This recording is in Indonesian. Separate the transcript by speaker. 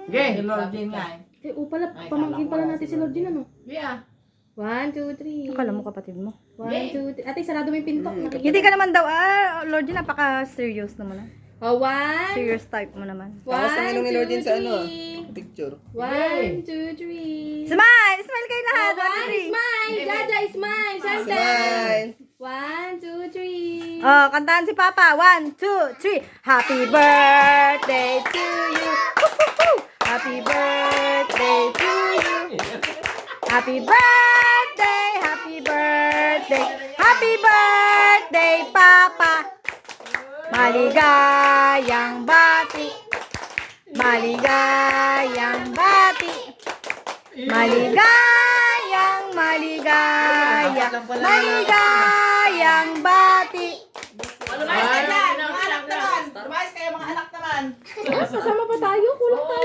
Speaker 1: Okay, Lord Jean nga eh.
Speaker 2: Eh, pala, pamangkin pala natin si Lord Jean, ano?
Speaker 1: Yeah.
Speaker 2: 1, 2, 3.
Speaker 3: Akala mo kapatid mo.
Speaker 2: 1, 2, 3. Ate, sarado mo yung pinto.
Speaker 3: Hindi ka naman daw, Lord, yun, napaka-serious naman ah.
Speaker 2: Oh, 1.
Speaker 3: Serious type mo naman.
Speaker 4: Tapos ang inong ni Lord Jean sa ano,
Speaker 2: 3.
Speaker 4: picture.
Speaker 2: 1, 2, 3.
Speaker 3: Smile! Smile kayo lahat!
Speaker 2: Oh,
Speaker 3: 1, 2, 3.
Speaker 2: Smile! Jaja, smile! Santa!
Speaker 4: Smile!
Speaker 2: 1, 2, 3.
Speaker 3: Oh, kantahan si Papa. 1, 2, 3. Happy birthday to you. Woo-hoo-hoo! Happy birthday to you. Happy birthday, happy birthday. Happy birthday, Papa. Maligayang bati. Maligayang bati. Maligayang maligayang bati.
Speaker 1: Lumayas kayo dyan! Mga anak naman! Lumayas kayo mga anak naman!
Speaker 2: Kasama pa tayo? Kulang tayo.